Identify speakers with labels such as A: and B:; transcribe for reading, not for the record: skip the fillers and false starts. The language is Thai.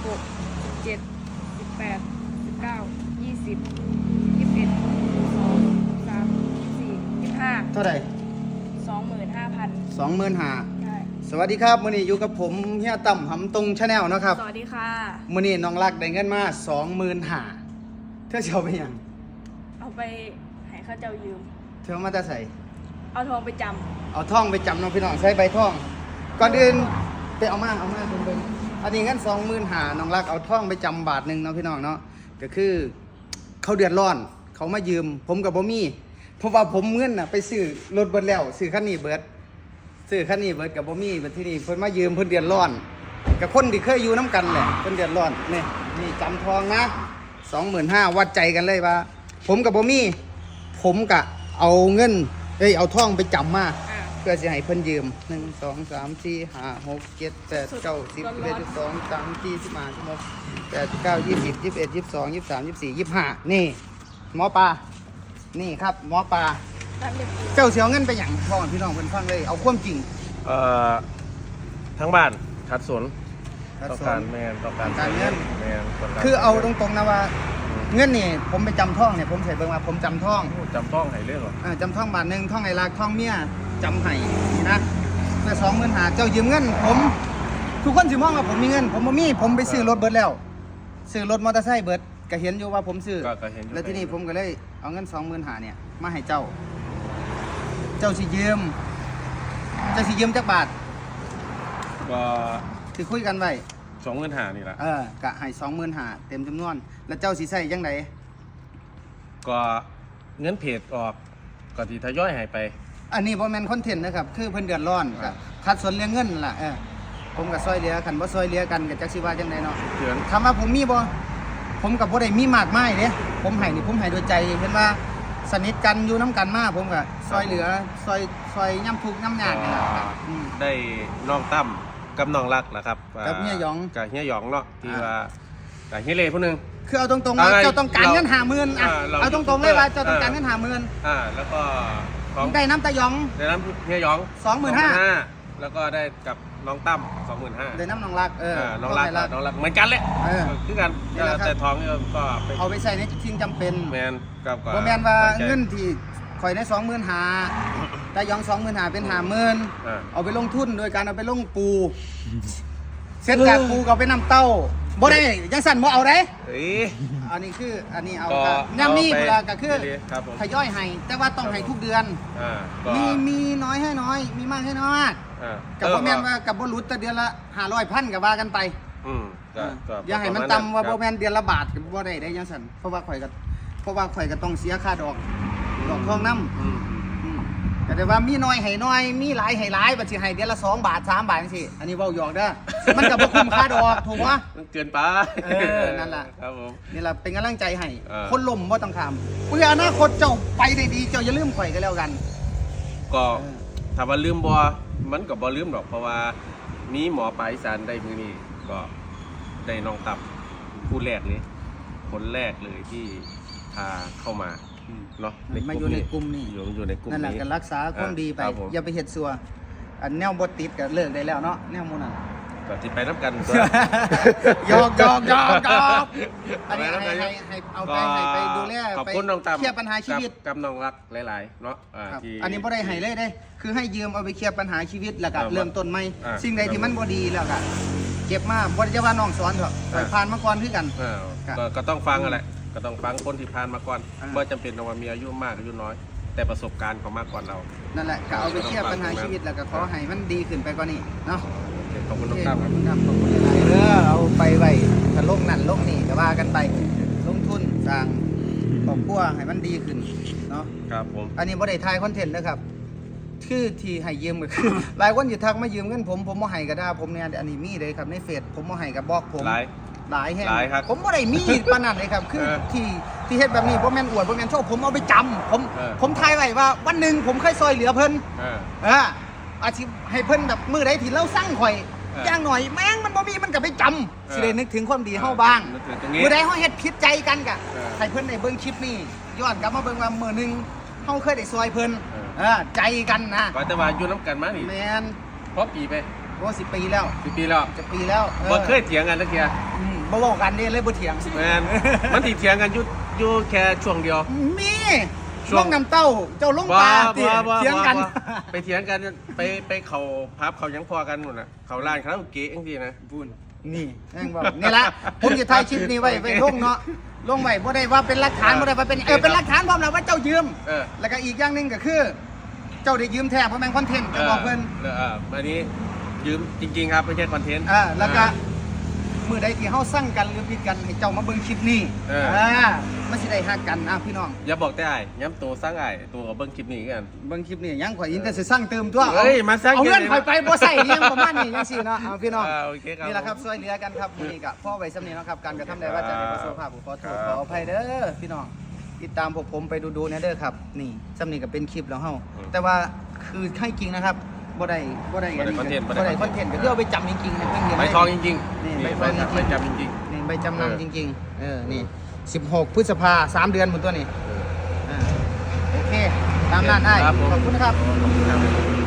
A: 16 17 18 19 20 21 22 23 24 25
B: เท่าไหร่
A: 25,000
B: 25,000
A: ใช่
B: สวัสดีครับมื้อนี้อยู่กับผมเฮียต่ำหำตรงชาแนลนะครับ
A: สวัสดีค่ะ
B: มื้อนี้น้องรักได้เงินมา25,000เธอสิเอาไปหยัง
A: เอาไปให้ข้าเจ้ายืม
B: เธอเอามาแต่ใส่
A: เอาทองไปจ
B: เอาท่องไปจำน้องพี่น้องใช้ใบท่อง ก่อนอื่นไปเอามาเบิ่งอันนี้เงิน25,000น้องรักเอาท่องไปจำบาทหนึงเนาะพี่น้องเนาะก็คือเขาเดือดร้อน เขามายืม ผมกับบ่มีเพราะว่าผมเงินน่ะไปซื้อรถเบิดแล้วซื้อคันนี้เบิดกับบ่มีบัดที่นี่เพิ่นมายืมเพิ่นเดือดร้อนกับคนที่เคยอยู่น้ำกันแหละเพิ่นเดือดร้อนนี่จำทองนะ25,000วัดใจกันเลยว่าผมกับบ่มีผมกะเอาเงินเอาทองไปจำมา
A: ำ
B: เพื่อสิให้เพิ่นยืม1 2 3 4 5 6 7 8 9 10 11 12 13 14 15 16 18 19 20 21 22 23 24 25นี่หมอปลานี่ครับหมอปลา
A: นั่นเรียกกู
B: เจ้าเสียเงินไปหยังพ่อพี่น้องเพิ่นฟังเลยเอาความจริง
C: ทั้งบ้านขัดสน
B: ครับ
C: ต้องการแมนต้องการ
B: การเงิน
C: แมนต้องการ
B: คือเอาตรงๆนะว่าเงินนี่ผมไปจำท่องเนี่ยผมใส่เบิ่งว่าผมจำท่อง
C: จำต้องให้เรื่องหรอ
B: จำท่องบาทหนึ่งท่องไอ้รักท่องเมียจำให้นี่นะแต่25,000เจ้ายืมเงินผมทุกคนสิมองว่าผมมีเงินผมบ่มีผมไปซื้อรถเบิดแล้วซื้อรถมอเตอร์ไซค์เบิดก็เห็นอยู่ว่าผมซื้อ
C: ก็เห็นอยู่
B: แล้วที่นี่ผมก็เลยเอาเงิน25,000เนี่ยมาให้เจ้า เจ้าสิยืมจักบาท
C: ก็
B: ที่คุยกันไว้
C: 25,000นี่แหละ
B: กะให้25,000เต็มจำนวน แล้วเจ้าสิใช้จังได
C: ก็เงินเพจออกก็ที่ทยอยหายไป
B: อันนี้บ่แม่นคอนเทนต์นะครับคือเพิ่นเดือดร้อนก็คัดสนเรื่องเงินล่ะผมก็ซอยเหลือคันบ่ซอยเหลือกันก็จักสิว่าจังไดเนาะ
C: เดือน
B: ถามว่าผมมีบ่ผมกับบ่ได้มีมากมายเด้ผมให้นี่ผมให้ด้วยใจเห็นว่าสนิทกันอยู่น้ำกันมาผมก็ซอยเหลือซอยย่ำทุกข์ย่ำยากนี่ล่ะครับ
C: ได้น้องตั้มกับน้องรักนะครับ
B: กับเฮียหยอง
C: กับเฮียหยองเนาะที่ว่ากับเฮียเล่ผู้หนึง
B: คือเอาตรงๆว่า
C: อะไร
B: เจ้าต้องการเงิน50,000อ่ะ
C: เรา
B: เอาตรงๆเลยว่า
C: เออ
B: เจ้าต้องการเงิน50,000
C: แล้วก็ของ
B: ได้น้ำตาหยอง
C: ได้น้ำเฮียหยอง
B: 25,000
C: แล้วก็ได้กับน้องตั้ม25,000
B: ได้น้ำน้องรัก
C: น้องรักเหมือนกันเลย คือกัน
B: นี่แหละครับ
C: แต่ทองนี่ก็ไป
B: เอาไปใส่ในสิ่งจำเป็น
C: แมนกับ
B: บ่แม่นว่าเงินที่ข่อยได้25,000ตาหยอง25,000เป็น50,000เอาไปลงทุนโดยการเอาไปลงปูเสร็จจากปูก็เอาไปนำเต้าบ่ได้จังสั่นบ่เอาได้
C: เอ้ย
B: อันนี้คืออันนี้เอา
C: ก็
B: ครับย่ำนี่
C: เอาไป
B: เวลาก็คือ
C: ครับผม
B: ทยอยให้แต่ว่าต้องให้ทุกเดือน
C: ก็
B: มีน้อยให้น้อย มีมากให้น้อย กับบ่แม่นว่ากับบ่หลุดแต่เดือนละ500,000ก็ว่ากันไป
C: ก็
B: อย่าให้มันต่ำว่าบ่แม่นเดือนละบาทก็บ่ได้จังซั่นเพราะว่าข่อยก็ต้องเสียค่าดอกทองนำก็ได้ว่ามีน้อยให้น้อยมีหลายให้หลายบัดสิให้เดือนละ2 บาท3 บาทจังซี่อันนี้เว้าหยอกเด้อมันก็บ่คุ้มค่าดอกถูกบ่
C: มันเกินไป
B: นั่นล่ะ
C: ครับผม
B: นี่ล่ะเป็นกำลังใจให้
C: คน
B: ล่มบ่ต้องถามเพื่ออนาคตเจ้าไปได้ดีเจ้าอย่าลืมข่อยก็แล้วกัน
C: ก็ถ้าว่าลืมบ่มันก็บ่ลืมดอกเพราะว่ามีหมอปลายอีสานได้มือนี้ก็ได้น้องตับผู้แรกเลยคนแรกเลยที่พาเข้ามาเนาะ
B: มาอยู่ในกลุ่มนี้
C: อยู่ในกลุ่ม
B: นั่นแหละ
C: นี้
B: ก็รักษาความดีไป
C: ครับผม
B: อย่าไปเฮ็ดซัวอันแนวบ่ติดก็เลิกได้แล้วเนาะแนวหมู่นั้น
C: ก็ที่ไปน้ำกันตัว
B: หยอกอันนี้ให้เอาไปให้ไปดูแล
C: ขอบคุณน้องตับ
B: เคลียร์ปัญหาชีวิต
C: กับน้องรักหลายๆเนาะ
B: ครับ
C: ที่
B: อันนี้บ่ได้ให้เลยเด้ คือให้ยืมเอาไปเคลียร์ปัญหาชีวิตแล้วก็
C: ครับ
B: เริ่มต้นใหม่ สิ่งใดที่มันบ่ดีแล้วก็เก็บมาบ่ได้จะว่าน้องสอนหรอกปล่อยผ่านมาก่อนคือกัน ครับ
C: ก็ต้องฟังอะไรก็ต้องฟังคนที่ผ่านมาก่อน
B: อ่า
C: ว่าจำเป็นต้องว่ามีอายุมากอายุน้อย แต่ประสบการณ์เขามากกว่าเรา
B: นั่นแหละก็เอาไปเคลียร์ปัญหาชีวิตแล้วก็ขอให้มันดีขึ้นไปกว่านี้เนาะ
C: ขอบคุณ
B: โอ
C: น้อง
B: เค
C: ตั้ม
B: ขอบคุณครับขอบคุณหลายๆเด้อเอาไปไว้ถ้าลงนั่นลงนี่ก็ว่ากันไปลงทุนสร้างครอบครัวให้มันดีขึ้นเนาะ
C: ครับผม
B: อันนี้บ่ได้ถ่ายคอนเทนต์นะครับคือที่ให้ยืมก็คือ หลายคนอยู่ทักมายืมเงินผมบ่ให้ก็ได้ผมเนี่ยอันนี้มีเลยครับในเฟซผมบ่ให้ก็บอกผม หลายแห่ง
C: หลายครับ
B: ผมบ่ได้มีปานนั้นเลยครับคือ ที่เฮ็ดแบบนี้บ่แม่นอวดบ่แม่นโชว์ผมเอาไปจำผมถ่ายไว้ว่าวันหนึงผมเคยซอยเหลือเพิ่น อาชีพให้เพิ่นแบบมือใดที่เราสร้างข่อยอย่างหน่อยแม่งมันบ่มีมันก็ไปจำสิได้นึกถึงความดีเฮาบ้าง
C: นึกถึงตรงนี้
B: มือใดเฮาเฮ็ดผิดใจกันกะ
C: เออ
B: ให้เพิ่นได้เบิ่งคลิปนี้ย้อนกลับมาเบิ่งว่ามื้อหนึงเฮาเคยได้ซอยเพิ่น
C: เออ
B: ใจกันนะ
C: ก็แต่ว่าอยู่น้ำกันมานี่
B: แม่น
C: เพราะปีไป
B: โอ้10 ปีแล้ว
C: 10 ปีแล้ว
B: จะปีแล้ว
C: บ่เคยเถียงกันสักเทีย
B: บบ่เว้ากันเด้เลยบ่เถียง
C: แมนมันติดเถียงกันอยู่แค่ช่วงเดียว
B: มี
C: ช่วง
B: ลงน้ำเต้าเจ้าลงปลาติเถียงกัน
C: ไปเถียงกันไปเขาพับเขายังพอกันหมดน่ะเขาร้านคาราโอเกะจังซี่นะ
B: พูนนี่แม่งบอกนี่ละผมจะถ่ายคลิปนี้ไว้ลงเนาะลงไว้บ่ได้ว่าเป็นหลักฐานบ่ได้ว่าเป็นเป็นหลักฐานพร้อมแล้วว่าเจ้ายืม
C: เออ
B: แล้วก็อีกอย่างหนึงก็คือ เจ้าได้ยืมแท้เพราะแม่งคอนเทนต์จะบอกเพิ่น
C: อันนี้ยืมจริง ๆ ครับไม่ใช่คอนเทนต์
B: แล้วก็มื้อใดที่เฮาสั่งกันหรือผิดกันให้เจ้ามาเบิ่งคลิปนี้มันสิได้ฮักกันพี่น้อง
C: อย่าบอกแต่อ้ายย้ำตัวสร้างอ้ายตัวเอาเบิ่งคลิปนี้กัน
B: เบิ่งคลิปนี้ยังข่อยยินแต่สิสั่งเติมตัว
C: เฮ้ยมาสั่ง
B: เอาเงิน
C: เดี๋ยวนี้
B: ข่อยไปบ่ใส่เลี้ยงประมาณนี้จังซี่เนาะพี่น้อง
C: โอเคครับ
B: นี่แหละครับช่วยเหลือกันครับมื้อนี้ก็พ่อไว้สำนี้เนาะครับการกระทำใดว่าจะให้ประสบภาพขอโทษขออภัยเด้อพี่น้องติดตามพวกผมไปดูๆนะเด้อครับนี่สำนี้ก็เป็นคลิปแล้วเฮาแต่ว่าคือให้จริงนะครับบ่ได้อันนี้
C: บ่ได้
B: บ่ได้คอนเทนต์ก็คือเอาไปจำจริงๆให้เพิ่นเรียน
C: ใบทองจริง
B: นี่
C: ๆ
B: ใบ
C: นี่
B: ทองจริงๆ
C: ใบจำจริง
B: นี่ใบจำนำจริงๆนี่16พฤษภา3 เดือนหมดตัวนี้โอเคตามนั้นได้
C: ครับผม
B: ขอบคุณครับ
C: ๆครับ